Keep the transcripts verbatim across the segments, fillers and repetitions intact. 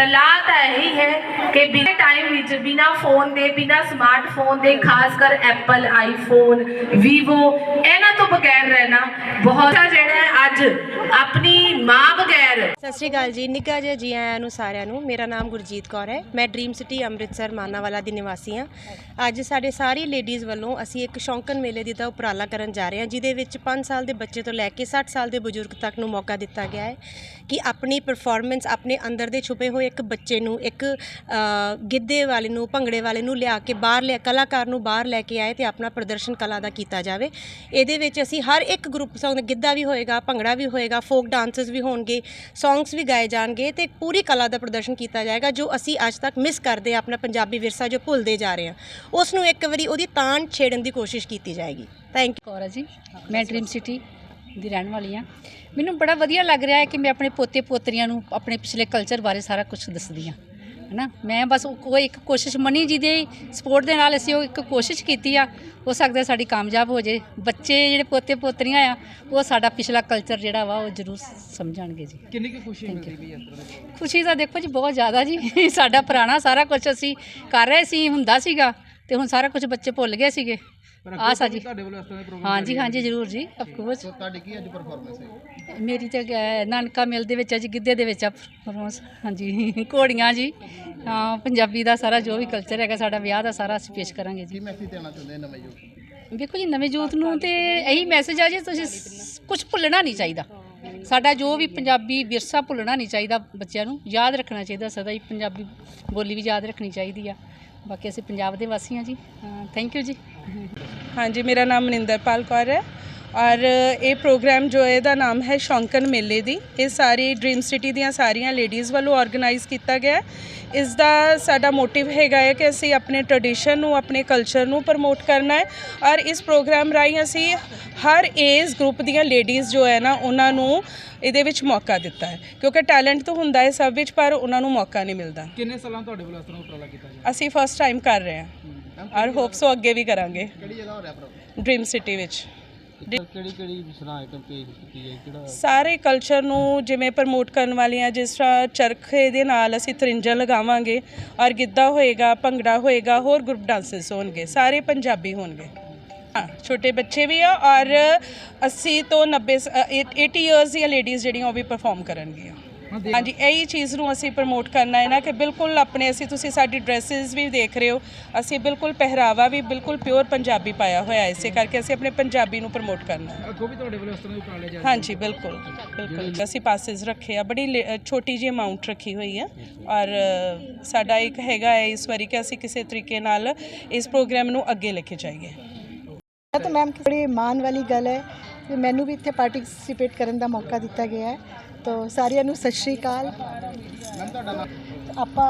सलाह तो यही है कि बिना टाइम विच बिना फोन दे बिना स्मार्टफोन दे खासकर एप्पल आईफोन वीवो इन्हां तो बगैर रहना बहुत जिहड़ा अज अपनी मां बगैर। सत श्री अकाल जी, निक्का जिहा जी आयां नूं सारिआं नूं। मेरा नाम गुरजीत कौर है, मैं ड्रीम सिटी अमृतसर मानावाला दी निवासी हाँ। अज साडे सारी लेडीज़ वालों असी एक शौंकन मेले दी दा उपराला करन जा रहे हैं, जिहदे विच पाँच साल के बच्चे तो लैके सठ साल के बजुर्ग तक नूं मौका दिता गया है कि अपनी परफॉर्मेंस अपने अंदर दे छुपे हुए एक बच्चे नूं एक गिद्धे वाले नूं भंगड़े वाले नूं लिया के बाहर लिया कलाकार नूं बाहर लैके आए तो अपना प्रदर्शन कला का किया जाए। इहदे विच असी हर एक ग्रुप सॉन्ग गिद्धा भी होएगा, भंगड़ा भी होएगा, फोक डांसेस भी होणगे, सॉन्ग्स भी गाए जाएंगे तो पूरी कला का प्रदर्शन किया जाएगा जो असी अज तक मिस करते हैं, अपना पंजाबी विरसा जो भुलते जा रहे हैं उसनूं एक बारी उहदी तान छेड़न की कोशिश की जाएगी। Thank you. कौर जी, मैं ड्रीम सिटी ਦੀ ਰਹਿਣ ਵਾਲੀ ਹਾਂ। ਮੈਨੂੰ ਬੜਾ ਵਧੀਆ ਲੱਗ ਰਿਹਾ ਹੈ ਕਿ ਮੈਂ ਆਪਣੇ ਪੋਤੇ ਪੋਤਰੀਆਂ ਨੂੰ ਆਪਣੇ ਪਿਛਲੇ ਕਲਚਰ ਬਾਰੇ ਸਾਰਾ ਕੁਝ ਦੱਸਦੀ ਹਾਂ, ਹੈ ਨਾ। ਮੈਂ ਬਸ ਕੋਈ ਇੱਕ ਕੋਸ਼ਿਸ਼ ਮਨੀ ਜੀ ਦੇ ਸਪੋਰਟ ਦੇ ਨਾਲ ਅਸੀਂ ਉਹ ਇੱਕ ਕੋਸ਼ਿਸ਼ ਕੀਤੀ ਆ, ਹੋ ਸਕਦਾ ਸਾਡੀ ਕਾਮਯਾਬ ਹੋ ਜੇ। ਬੱਚੇ ਜਿਹੜੇ ਪੋਤੇ ਪੋਤਰੀਆਂ ਆ ਉਹ ਸਾਡਾ ਪਿਛਲਾ ਕਲਚਰ ਜਿਹੜਾ ਵਾ ਉਹ ਜ਼ਰੂਰ ਸਮਝਣਗੇ ਜੀ। ਕਿੰਨੀ ਕੁ ਖੁਸ਼ੀ ਮਿਲਦੀ ਵੀ ਇਸ ਤਰ੍ਹਾਂ? ਖੁਸ਼ੀ ਤਾਂ ਦੇਖੋ ਜੀ ਬਹੁਤ ਜ਼ਿਆਦਾ ਜੀ। ਸਾਡਾ ਪੁਰਾਣਾ ਸਾਰਾ ਕੁਝ ਅਸੀਂ ਕਰ ਰਹੇ ਸੀ, ਹੁੰਦਾ ਸੀਗਾ, ਤੇ ਹੁਣ ਸਾਰਾ ਕੁਝ ਬੱਚੇ ਭੁੱਲ ਗਏ ਸੀਗੇ। ਆ ਸਾ ਜੀ, हाँ जी हाँ जी ਜ਼ਰੂਰ ਜੀ, ਅਫਕੋਰਸ। ਤੁਹਾਡੀ ਕੀ ਅੱਜ ਪਰਫਾਰਮੈਂਸ ਹੈ? ਮੇਰੀ ਤੇ ਨਾਨਕਾ ਮਿਲ ਦੇ ਵਿੱਚ ਅੱਜ ਗਿੱਧੇ ਦੇ ਵਿੱਚ ਆ ਪਰਫਾਰਮੈਂਸ। ਹਾਂਜੀ, ਘੋੜੀਆਂ ਜੀ, ਹਾਂ, ਪੰਜਾਬੀ ਦਾ ਸਾਰਾ ਜੋ ਵੀ ਕਲਚਰ ਹੈਗਾ ਸਾਡਾ ਵਿਆਹ ਦਾ ਸਾਰਾ ਅਸੀਂ ਪੇਸ਼ ਕਰਾਂਗੇ ਜੀ। ਕੀ ਮੈਸੇਜ ਦੇਣਾ ਚਾਹੁੰਦੇ ਨਵੇਂ ਯੂਥ? ਦੇਖੋ ਜੀ, ਨਵੇਂ ਯੂਥ ਨੂੰ ਤੇ ਇਹੀ ਮੈਸੇਜ ਆ ਜੀ, ਤੁਸੀਂ ਕੁਝ ਭੁੱਲਣਾ ਨਹੀਂ ਚਾਹੀਦਾ। ਸਾਡਾ ਜੋ ਵੀ ਪੰਜਾਬੀ ਵਿਰਸਾ ਭੁੱਲਣਾ ਨਹੀਂ ਚਾਹੀਦਾ, ਬੱਚਿਆਂ ਨੂੰ ਯਾਦ ਰੱਖਣਾ ਚਾਹੀਦਾ ਸਦਾ ਹੀ। ਪੰਜਾਬੀ ਬੋਲੀ ਵੀ ਯਾਦ ਰੱਖਣੀ ਚਾਹੀਦੀ ਆ। ਬਾਕੀ ਅਸੀਂ ਪੰਜਾਬ ਦੇ ਵਾਸੀ ਹਾਂ ਜੀ। ਥੈਂਕ ਯੂ ਜੀ। हाँ जी, मेरा नाम मनिंदरपाल कौर है और ये प्रोग्राम जो है दा नाम है शौंकन मेले दी। ये सारी ड्रीम सिटी दियां सारियां लेडीज़ वालों ऑर्गेनाइज़ किया गया है। इसका साडा मोटिव हैगा है कि असी अपने ट्रेडिशन नू अपने कल्चर नू प्रमोट करना है और इस प्रोग्राम राही असी हर एज ग्रुप दियां लेडीज़ जो है ना उन्होंने ਇਹਦੇ ਵਿੱਚ ਮੌਕਾ ਦਿੱਤਾ ਹੈ, ਕਿਉਂਕਿ ਟੈਲੈਂਟ ਤਾਂ ਹੁੰਦਾ ਹੈ ਸਭ ਵਿੱਚ ਪਰ ਉਹਨਾਂ ਨੂੰ ਮੌਕਾ ਨਹੀਂ ਮਿਲਦਾ। ਕਿੰਨੇ ਸਾਲਾਂ ਤੁਹਾਡੇ ਵੱਲੋਂ ਇਸ ਤਰ੍ਹਾਂ ਉਪਰਾਲਾ ਕੀਤਾ ਗਿਆ? ਅਸੀਂ ਫਸਟ ਟਾਈਮ ਕਰ ਰਹੇ ਹਾਂ ਔਰ ਹੋਪਸੋ ਅੱਗੇ ਵੀ ਕਰਾਂਗੇ। ਕਿਹੜੀ ਜਗ੍ਹਾ ਹੋ ਰਿਹਾ ਪ੍ਰੋਗਰਾਮ? ਡ੍ਰੀਮ ਸਿਟੀ ਵਿੱਚ। ਕਿਹੜੀ ਕਿਹੜੀ ਵਿਸ਼ਰਾ ਆਈਟਮ ਪੇਸ਼ ਕੀਤੀ ਹੈ? ਕਿਹੜਾ ਸਾਰੇ ਕਲਚਰ ਨੂੰ ਜਿਵੇਂ ਪ੍ਰਮੋਟ ਕਰਨ ਵਾਲੀਆਂ, ਜਿਸ ਤਰ੍ਹਾਂ ਚਰਖੇ ਦੇ ਨਾਲ ਅਸੀਂ ਤਰਿੰਜਾਂ ਲਗਾਵਾਂਗੇ ਔਰ ਗਿੱਧਾ ਹੋਏਗਾ, ਭੰਗੜਾ ਹੋਏਗਾ, ਹੋਰ ਗਰੁੱਪ ਡਾਂਸਸ ਹੋਣਗੇ, ਸਾਰੇ ਪੰਜਾਬੀ ਹੋਣਗੇ। हाँ, छोटे बच्चे भी आ और अस्सी तो नब्बे एटी ईयर्स ਦੀਆਂ ਲੇਡੀਜ਼ ਜਿਹੜੀਆਂ ਉਹ ਵੀ ਪਰਫਾਰਮ ਕਰਨਗੀਆਂ। ਹਾਂਜੀ, ਇਹੀ ਚੀਜ਼ ਨੂੰ ਅਸੀਂ ਪ੍ਰਮੋਟ ਕਰਨਾ ਹੈ ਨਾ ਕਿ ਬਿਲਕੁਲ ਆਪਣੇ ਅਸੀਂ ਤੁਸੀਂ ਸਾਡੀ ਡਰੈਸਿਸ ਵੀ ਦੇਖ ਰਹੇ ਹੋ, ਅਸੀਂ ਬਿਲਕੁਲ ਪਹਿਰਾਵਾ ਵੀ ਬਿਲਕੁਲ ਪਿਓਰ ਪੰਜਾਬੀ ਪਾਇਆ ਹੋਇਆ, ਇਸੇ ਕਰਕੇ ਅਸੀਂ ਆਪਣੇ ਪੰਜਾਬੀ ਨੂੰ ਪ੍ਰਮੋਟ ਕਰਨਾ ਹੈ। ਅੱਗੋਂ ਵੀ ਤੁਹਾਡੇ ਵੱਲੋਂ ਇਸ ਤਰ੍ਹਾਂ ਦੇ ਉਪਰਾਲੇ ਜਾਰੀ? ਹਾਂਜੀ, ਬਿਲਕੁਲ ਬਿਲਕੁਲ। ਅਸੀਂ ਪਾਸਿਸ ਰੱਖੇ ਆ, ਬੜੀ ਛੋਟੀ ਜਿਹੀ ਅਮਾਊਂਟ ਰੱਖੀ ਹੋਈ ਹੈ ਔਰ ਸਾਡਾ ਇੱਕ ਹੈਗਾ ਹੈ ਇਸ ਵਾਰੀ ਕਿ ਅਸੀਂ ਕਿਸੇ ਤਰੀਕੇ ਨਾਲ ਇਸ ਪ੍ਰੋਗਰਾਮ ਨੂੰ ਅੱਗੇ ਲੈ ਕੇ ਜਾਈਏ। तो मैम बड़ी मान वाली गल है कि मैनू भी इत्थे पार्टिसिपेट करने का मौका दिता गया है, तो सारियां नू सत श्री अकाल। आपा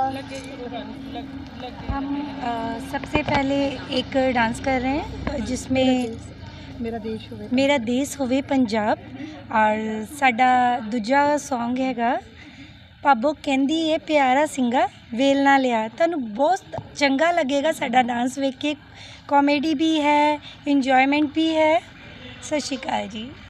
हम आ, सबसे पहले एक डांस कर रहे हैं जिसमें मेरा देश होवे मेरा देश होवे पंजाब और साडा दूजा सॉन्ग हैगा भाबो कहंदी है प्यारा सिंगा वेल ना लिया। तुहानू बहुत चंगा लगेगा साडा डांस वेख के, कॉमेडी भी है, इंजॉयमेंट भी है। सत श्री अकाल जी।